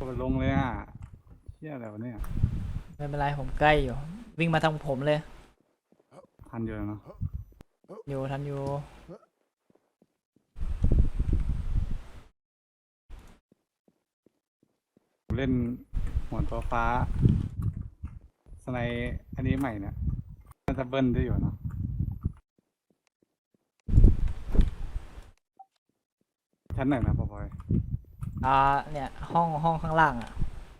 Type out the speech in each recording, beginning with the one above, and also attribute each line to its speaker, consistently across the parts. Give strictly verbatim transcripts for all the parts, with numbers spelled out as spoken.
Speaker 1: ดลงเลยอ่ะเชี่ยอะไรวะเนี่ย
Speaker 2: ไม่เป็นไรผมใกล้อยู่วิ่งมาทางผมเลย
Speaker 1: ทันอยู่แล้วเนาะ
Speaker 2: อยู่ทันอยู่
Speaker 1: ผมเล่นหัวตัวฟ้าสไนอันนี้ใหม่เนี่ยน่าจะเบิ้ลได้อยู่เนาะชั้นไหนนะปอย
Speaker 2: อ่าเนี่ยห้องห้องข้างล่างอ่ะ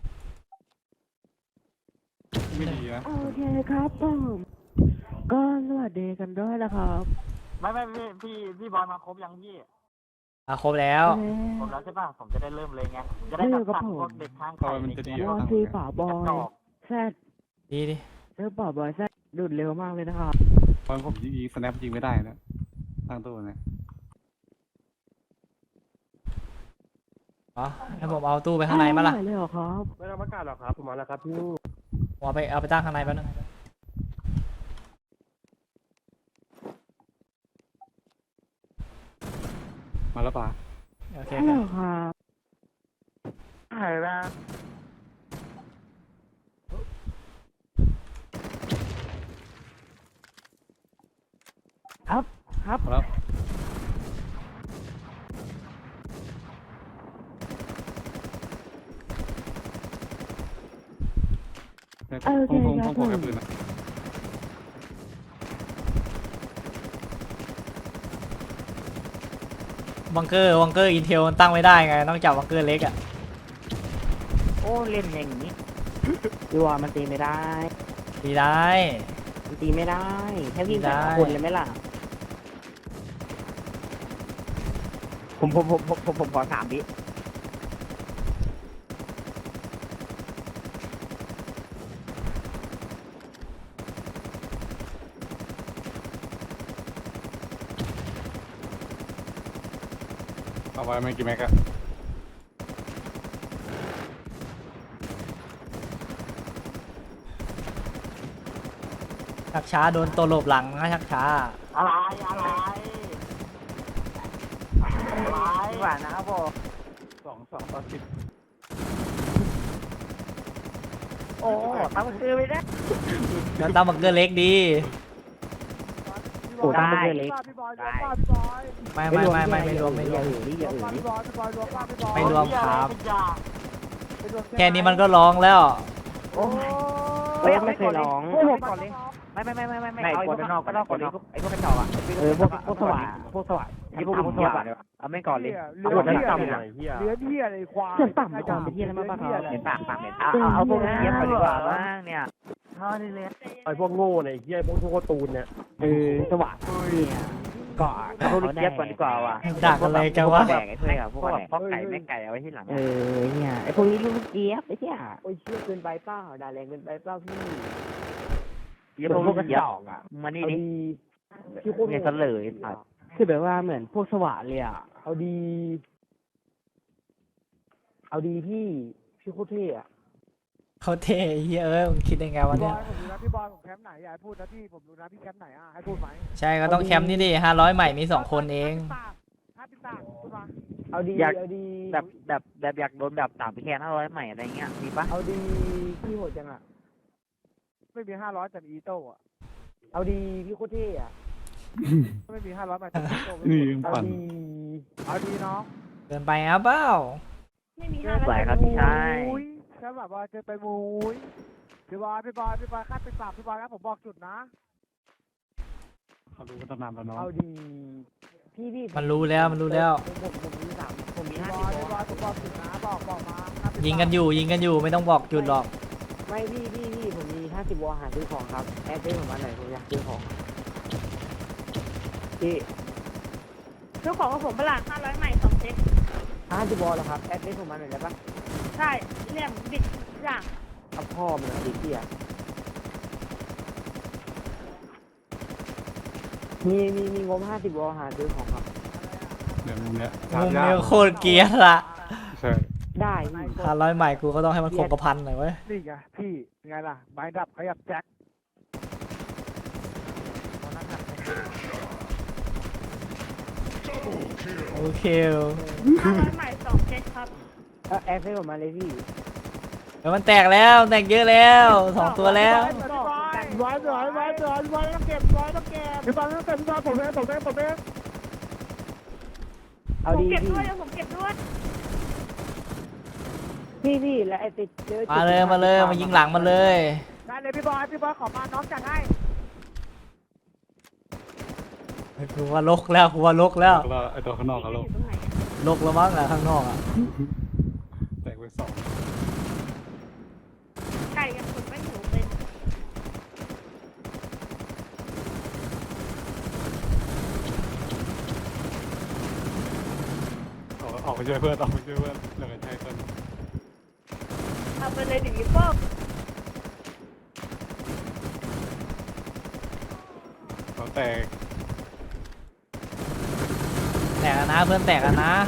Speaker 1: ไม่ดีนะ
Speaker 3: โอเคครับผมก็สวัสดีกันด้วยนะครับ
Speaker 4: ไม่ไม่พี่พี่พี่บอยมาครบยังพี่
Speaker 2: อ่ะครบแล้ว
Speaker 4: ครบแล้วใช่ป่ะผมจะได้เริ่มเลยไงจะได้จับสั่งพวกเด็กข้างไข่ในเกม
Speaker 3: วอซีป่าบอยแซด
Speaker 2: ดีดิ
Speaker 3: เจอป่าบอยแซดดูดเร็วมากเลยนะครับ
Speaker 1: ตอนผมยิงสแนปยิงไม่ได้นะตั้งตัวเนี่ย
Speaker 2: อ๋อให้ผมเอาตู้ไปข้างในมาล่ะ
Speaker 3: เลยเหรอครับ
Speaker 4: ไม่ต้องประกาศหรอกครับผมมาแล้วครับพี่
Speaker 2: เอาไปเอาไปตั้งข้างในแป๊บนึง
Speaker 1: มาแล้วป่ะ
Speaker 2: โอเค
Speaker 3: ครับ
Speaker 4: หายแล้ว
Speaker 3: ครับครับ
Speaker 1: แล้ว
Speaker 3: โอเคครับผม
Speaker 2: บังเกอร์บังเกอร์อินเทลมันตั้งไม่ได้ไงต้องจับบังเกอร์เล็กอ่ะ
Speaker 3: โอ้เล่นอย่างนี้ดีว่ามันตีไม่ได้
Speaker 2: ตีได้
Speaker 3: มันตีไม่ได้แค่วิ่งแต่คนเลยไหมล่ะผมผมผมผมผมขอสามวิ
Speaker 1: เอาไว้ไม่กี่แม็กอะ
Speaker 2: ชักช้าโดนตัวหลบหลังนะชักช้า
Speaker 4: อะไรอะไรอะไร
Speaker 3: หวานนะครับผม
Speaker 1: สองสองต่อสิบ
Speaker 3: โอ้ตั้งมือไปนะ
Speaker 2: แล้วตั้งบังเกอร์เล็กดี
Speaker 3: โอ้ตั้งมือเล็ก
Speaker 2: ไม่ไม่ไม่ไม่ไม่รวมไม่รวมไม่รวมครับแค่นี้มันก็ร้องแล้ว
Speaker 3: โอ้ยไม่เคยร้องไม่ไม่ไม่ไม่ไม่ไม่เอาไอ้พวกนอกก็นอกก่อนเลยไอ้พวกกระจอกอ่ะเออพวกพวกสว่างพวกสว่างไอ้พวกพวกสว่างเอาไม่ก่อนเลยเอาพวกนี้ต่ำหน่อยเฮียเลี้ยเฮียอะไรควายเส้นต่ำก่อนเป็นเฮียอะไรมาบ้างครับเห็นปากปากเห็นเอาเอาพวกนี้เฮียไปดีกว่าบ้างเนี่ยท่อนี่เลย
Speaker 4: ไอ้พวกโง่เนี่ยเฮียพวกพวกตูนเนี่ย
Speaker 3: เออสว่างเนี่ยก่อนเขาเรียกก่อนดีกว่าว่ะ
Speaker 2: ด่าอะไรกันวะ
Speaker 3: แบ่งไอ้เพื่อนพวกแบบพ่อไก่แม่ไก่เอาไว้ที่หลังเออเนี่ยไอ้พวกนี้ลูกเจี๊ยบไอ้เหี้ยโอ้ยเชื่อเกินไปเปล่าด่าแรงเกินไปเปล่าพี่เยี่ยมพวกกระจอกอ่ะมานี่ดิที่พวกเนี่ยเสลยสัตว์คือแบบว่าเหมือนพวกสว่านเลยอ่ะเอาดีเอาดีพี่พี่โคตรเท่อะ
Speaker 2: เขาเท่เฮียเอ้ยมึงคิดยังไงวะเนี่ย
Speaker 5: ผมรู้นะพี่บอยผมแคมป์ไหนอย่าพูดนะพี่ผมรู้นะพี่แคมป์ไหนอ่ะให้พูดไหม
Speaker 2: ใช่ก็ต้องแคมป์นี่ดิห้าร้อยใหม่มีสองคนเอง
Speaker 5: ห้าสิบสามพูดมา
Speaker 3: เอาดีเอาดีแบบแบบแบบอยากโดนแบบสามแคนห้าร้อยใหม่อะไรเงี้ยดีปะเอาดีพี่โหดจังอ่ะ
Speaker 5: ไม่มีห้าร้อยแต่อีโต้อะ
Speaker 3: เอาดีพี่โคตรเท่อะ
Speaker 5: ไม่มีห้าร้อยแต่อีโต้
Speaker 1: นี่
Speaker 5: เอา
Speaker 1: ปั่น
Speaker 5: ดีเอาดีน้อง
Speaker 2: เดินไปอ่ะเปล่า
Speaker 3: ไม่มีห้าร้อยครับพี่ชาย
Speaker 5: แค่แบบว่าเจอไปมุ้ยพี่บอยพี่บอยพี่บอยคาดไปสามพี่บอยครับผมบอกจุดนะ
Speaker 1: เขารู้กันตั้งนานแล้วเนาะ
Speaker 3: เอาดีพี่พี่
Speaker 2: มันรู้แล้วมันรู้แล้ว
Speaker 3: ผมผมมีสามผมมีห้า
Speaker 5: สิบพี่บอยผมบอกจุดนะบอกบอกมา
Speaker 2: ยิงกันอยู่ยิงกันอยู่ไม่ต้องบอกจุดหรอก
Speaker 3: ไม่พี่พี่พี่ผมมีห้าสิบวอลหาซื้อของครับแอดได้ผมมาหน่อยผมอยากซื้อของพี่
Speaker 6: ซื้อของกับผมเปล่าห้าร้อยใหม่สองเซ็ต
Speaker 3: ห้าสิบวอลเหรอครับแอดได้ผมมาหน่อยได้ปะ
Speaker 6: ใช่เรียกบิดอย่าง
Speaker 3: เอาพ่อมันดิพี่อ่ะมีมีมีงบห้าสิบวอลหาซื้อของครับ
Speaker 1: เดี๋ยวมุมเนี้ย
Speaker 2: มุมเนี้ยโคตรเกียร์ละ
Speaker 1: ใช่
Speaker 3: ได้
Speaker 2: ห้าร้อยใหม่กูก็ต้องให้มันคงกระพันหน่อยเว้ย
Speaker 5: นี่ไงพี่ไงล่ะไม้ดับขยับแจ็ค
Speaker 2: โอเค
Speaker 6: ห้าร้อยใหม่สองเซ็ตครับ
Speaker 3: เออแอร์เฟซผมมาเลยพี่
Speaker 2: เดี๋ยวมันแตกแล้วแตกเยอะแล้วสองตัวแล้ว
Speaker 5: บอยบอยบอยบอยบอยต้องเก็บบอยต้องเก็บพี่บอยต้องเก็บพี่บอยผมเองผมเองผมเอง
Speaker 3: เอา
Speaker 6: ผม
Speaker 3: ดี
Speaker 6: เก็บ
Speaker 3: พี่
Speaker 6: ด้วยเดี๋ยวผมเก็บด้วย
Speaker 3: พี่พี่แล้วไอ้ติดเจอ
Speaker 2: มาเลยมาเลยมายิงหลังมันเลย
Speaker 5: ได้เลยพี่บอยพี่บอยขอมาน้องจัดให้
Speaker 2: กูว่าลกแล้วกูว่าลกแล้ว
Speaker 1: แล้วไอตัวข้างนอกก็ลง
Speaker 6: อยู่ตรงไหนอะ
Speaker 2: ลกแล้วมั้งอะข้างนอกอะ
Speaker 1: แตกไปสอง
Speaker 6: ไก่ยังคนไม่หิวเลย
Speaker 1: ออกออกไปช่วยเพื่อนออกไปช่วยเพื่อนเหลือใช้เพื่อน
Speaker 6: เอาไปเลยดิวิโป้
Speaker 1: เขาแตก
Speaker 2: แตกแล้วนะเพื่อนแตกแล้วนะ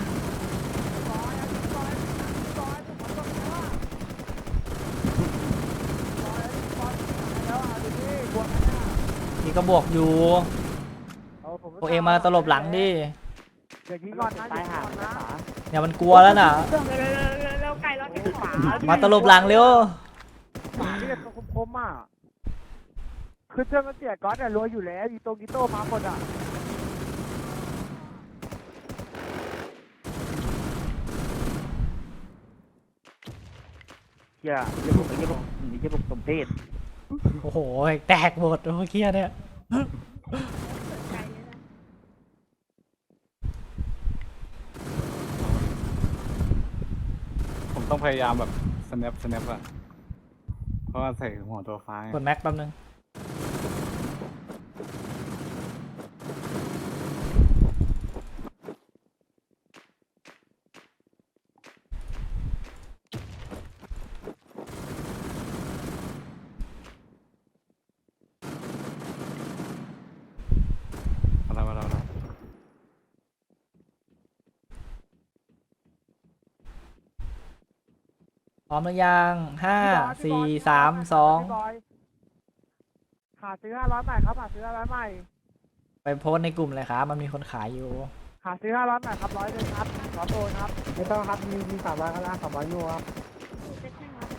Speaker 2: นี่ก็บวกอยู่พวกเองมาตลบหลังดิ
Speaker 5: เดี๋ยวยิงก่อนนะ
Speaker 3: ตายห่า
Speaker 5: นะ
Speaker 2: เนี่ยมันกลัวแล้วน่ะ
Speaker 6: เร็วเร็วเร็วเร็วเร็วไก่เราเก็บขวา
Speaker 2: มาตลบหลังเร็ว
Speaker 5: หมาที่เป็นคมๆอ่ะคือเจ้ามันเสียก๊อตเนี่ยรวยอยู่แล้วอีโตกิโต้มาหมดอ่ะ
Speaker 3: เฮียเฮียผมเฮียผมเฮียผมสมเพศ
Speaker 2: โอ้โหแตกหมดเมื่อกี้เนี่ย
Speaker 6: ไก่เลยนะ
Speaker 1: ผมต้องพยายามแบบ snap snap อะเพราะว่าใส่หัวตัวฟ้าไง
Speaker 2: กดแม็กแป๊บนึง
Speaker 1: มาแล้วมาแล้วมาแล้ว
Speaker 2: พร้อมหรือยังห้าสี่สามสอง
Speaker 5: พี่บอยหาซื้อห้าร้อยใหม่ครับหาซื้อห้าร้อยใหม่
Speaker 2: ไปโพสต์ในกลุ่มเลยครับมันมีคนขายอยู่
Speaker 5: หาซื้อห้าร้อยใหม่ครับร้อยหนึ่งครับขอโทษครับไม่ต้องครับมีมีสามร้อยก็ได้สามร้อยยูครับ
Speaker 6: เซ็ตให้ครับ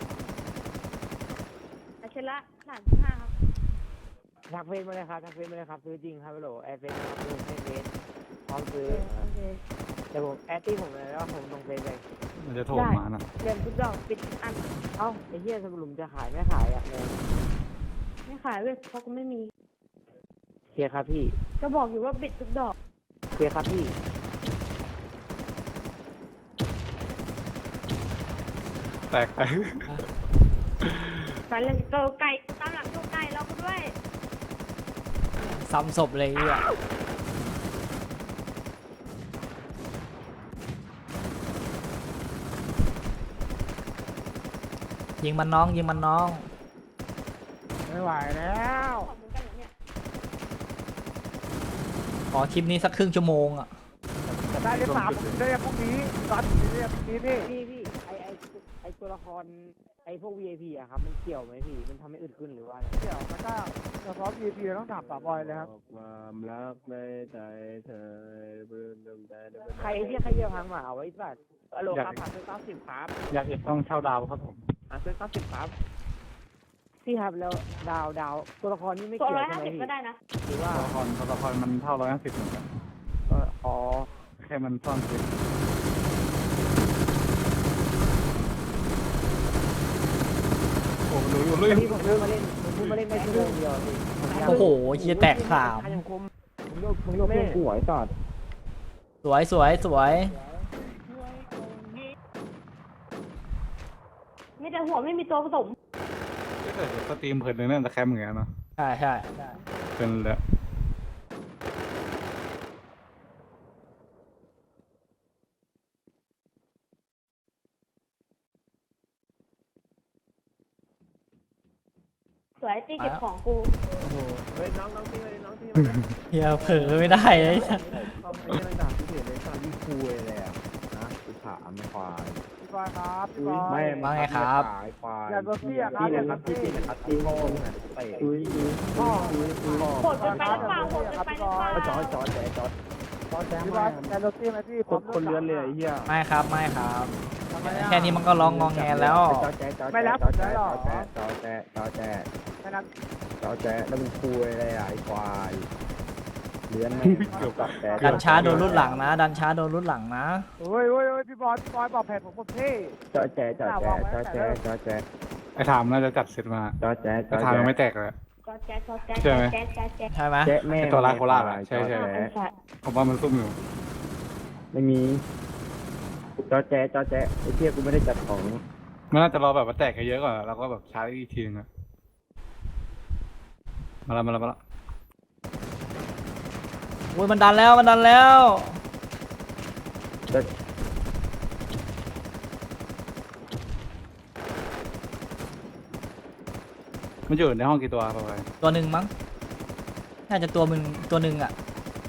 Speaker 6: อาเชละหลานที่ห้าครับ
Speaker 3: ทักเฟซมาเลยครับทักเฟซมาเลยครับซื้อจริงครับพี่โหลแอร์เฟซครับซื้อให้เฟซพร้อมซื้อ
Speaker 6: โอเค
Speaker 3: เดี๋ยวผมแอดตี้ผมเลยแล้วผมลงเฟซเลย
Speaker 1: มันจะโทรมาน่ะ
Speaker 6: เดินทุกดอกปิดทุกอัน
Speaker 3: เอ้าไอ้เหี้ยสรุปจะขายไม่ขายอ่ะเลย
Speaker 6: ไม่ขายเว้ยเพราะกูไม่มี
Speaker 3: เคลียร์ครับพี่
Speaker 6: ก็บอกอยู่ว่าปิดทุกดอก
Speaker 3: เคลียร์ครับพี่
Speaker 1: แตกแตก
Speaker 6: ไปเลยเกาไก่ตามหลังดูไก่เราก็ด้วย
Speaker 2: ซ้ำศพเลยอ่ะยิงมันน้องยิงมันน้อง
Speaker 5: ไม่ไหวแล้ว
Speaker 6: ขอบเหมือนกันเหรอเนี่ย
Speaker 2: ขอคลิปนี้สักครึ่งชั่วโมงอ่ะ
Speaker 5: ได้เรียบสามผมได้เรียบพรุ่งนี้ตอนนี้เรียบพรุ่งนี้นี่
Speaker 3: พี่พี่ไอไอไอตัวละครไอพวก วี ไอ พี อะครับมันเกี่ยวไหมพี่มันทำให้อึดขึ้นหรือว่าอะไร
Speaker 5: เดี๋ยวมันก็เฉพาะ วี พี ต้องถามป่าบอยเลยครับ
Speaker 7: ความรักในใจเธอเบื่อดมใจ
Speaker 3: ใครที่ใครเยี่ยมพังหมาเอาไว้สัตว์ฮัลโหลครับหาซื้อเก้าสิบครับ
Speaker 1: อยากเห็นต้องเช่าดาวครับผม
Speaker 3: หาซื้อเก้าสิบครับพี่ครับแล้วดาวดาวตัวละครนี่ไม่
Speaker 6: ตัว
Speaker 3: เกี่ยว
Speaker 6: ร้อย
Speaker 3: ใช่
Speaker 6: ห้า
Speaker 3: ไหม
Speaker 6: สิบ
Speaker 3: พี่
Speaker 6: ก็ได้นะ
Speaker 3: หรือว่า
Speaker 1: ตัวละครตัวละครมันเท่าร้อยห้าสิบเหมือนกัน
Speaker 3: เอออ๋อ
Speaker 1: แค่มันซ่อนคลิปโอ้โหรู้อยู่รู้อยู่
Speaker 3: พี่ผมเพิ่งมาเล่นผมเพิ่งมาเล่นได้ชั่วโมงเดียวพี่ผมยัง
Speaker 2: โอ้โหเฮียแตกสาม
Speaker 3: ยังคมผมโยกผมโยกเพื่อนกูไหวจอด
Speaker 2: สวยสวยสวย
Speaker 6: ไม่แต่หัวไม่มีตัวผสม
Speaker 1: ถ้าเกิดสตรีมเผินเลยเนี่ยจะแคมเหมือนกันเนาะ
Speaker 2: ใช่ใช่
Speaker 1: เป็นเลย
Speaker 6: สวยตีเก็บของกู
Speaker 2: โอ้โห
Speaker 7: เฮ้ยน้องน้องพี่มาเลยน้องพี่
Speaker 2: เฮียเผลอไม่ได้ไอ้สัส
Speaker 7: เขาไม่ได้ด่าพี่เห็นเลยตอนที่คุยเลยอ่ะนะกูถามไม่ควาย
Speaker 5: พี่บอยครับพี่บอย
Speaker 7: ไม่
Speaker 2: ว่าไงครับ
Speaker 7: ขายควาย
Speaker 5: อย่าโดนเสียครับ
Speaker 7: พี่
Speaker 5: อย่า
Speaker 7: นะ
Speaker 5: โด
Speaker 7: ครับ
Speaker 5: น
Speaker 7: พี่
Speaker 5: เสีย
Speaker 7: นะครับพี่โง่เตะอุ้ยอุ้ย
Speaker 5: พ่อ
Speaker 7: อุ้ยอุ้ย
Speaker 6: โหดเกินไปหรือเปล่าโหดเกินไปหรือเปล่า
Speaker 7: จอดจอดจอดจอดจอดแจ้ง
Speaker 5: พี่บ
Speaker 7: มา
Speaker 5: อยอย่าโดนเสียไหมพี่
Speaker 7: คนคนเลื้อนเลยไอ้เหี้ย
Speaker 2: ไม่ครับไม่ครับ
Speaker 5: ค
Speaker 2: แค่นี้มันก็ร้องงองแงแล้ว
Speaker 7: จอแจจอแจ
Speaker 5: ไม่รับ
Speaker 7: จ
Speaker 5: ผ
Speaker 7: อ
Speaker 5: ม
Speaker 7: แจ
Speaker 5: ได้หรอ
Speaker 7: จอแจจอแจ
Speaker 5: ไม่รับ
Speaker 7: จอแจแล้วมึงคุยอะไรอ่ะไอ้ควายเลื้อนไม่เกี่ยวกับแต่
Speaker 2: ดันช้าโดนรุ่นหลังนะ ดันช้าโดนรุ่นหลังนะ
Speaker 5: โอ้ยโอ้ยโอ้ยพี่บอยพี่บอยบอกแผนผมผมเท่
Speaker 7: จอแจจอแจจอแจจอแจ
Speaker 1: ไอ้ถามน่าจะจัดเสร็จมา
Speaker 7: จอแจจ
Speaker 1: ไอ้
Speaker 7: อ
Speaker 1: ถาม
Speaker 7: แจ
Speaker 1: ยังไม่แตกเลย
Speaker 6: ก็แจ๊กก็แจ๊ก
Speaker 1: ใช่ไหม
Speaker 6: แจ๊กแจ๊กแจ๊ก
Speaker 2: ใช่ไหม
Speaker 7: แจ๊แม่
Speaker 1: ไอ้ตัวร้ายโคราชอะใช่ใช่
Speaker 6: ไอ้สัตว์
Speaker 1: ผมว่ามันซุ่มอยู่
Speaker 7: ไม่มีจอแจจอแจไอ้เที่ยกูไม่ได้จัดของ
Speaker 1: มันน่าจะรอแบบว่าแตกเยอะๆก่อนแล้วก็แบบชาร์จอีกทีนึงอะมาแล้วมาแล้วมาแล้ว
Speaker 2: โอ้ยมันดันแล้วมันดันแล้ว
Speaker 7: จอ
Speaker 1: มันอยู่ในห้องกี่ตัวประมาณ
Speaker 2: ตัวหนึ่งมั้ง น่าจะตัวมึงตัวหนึ่งอ่ะ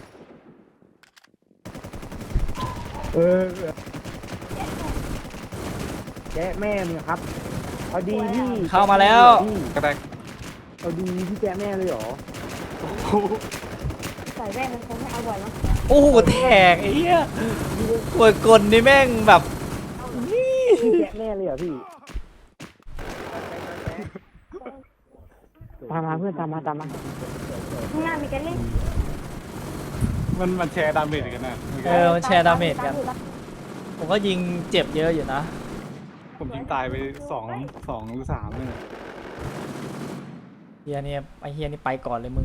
Speaker 7: เออแจ๊แม่มึงครับเอาดีพี่
Speaker 2: เข้ามาแล้ว
Speaker 1: ก็ได้
Speaker 7: เอาดีพี่แจ๊แม่เลยเหรอ
Speaker 6: ใส่แว่นมันคงไม่เอาบ่อยมั้ง
Speaker 2: โอ้โหแตกไอ้เหี้ยปวดกลนี่แม่งแบบนี่
Speaker 7: พี่แจ๊แม่เลยเหรอพี่ตามมาเพื่อนตามมาตามมา
Speaker 6: ข้างหน้ามีกันเล่น
Speaker 1: มันมันแชร์ดาเมจกันนะ
Speaker 2: เออมันแชร์ดาเมจกัน ผมก็ยิงเจ็บเยอะอยู่นะ
Speaker 1: ผมยิงตายไปสองสองหรือสามเลย
Speaker 2: เฮียนี่ไอเฮียนี่ไปก่อนเลยมึง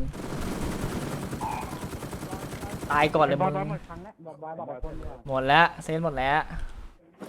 Speaker 2: ตายก่อนเลยมึง
Speaker 5: หมดครั้งแล้วบอกบอยบอกคนเดียว
Speaker 2: หมดแล้วเซนหมดแล้ว
Speaker 5: เ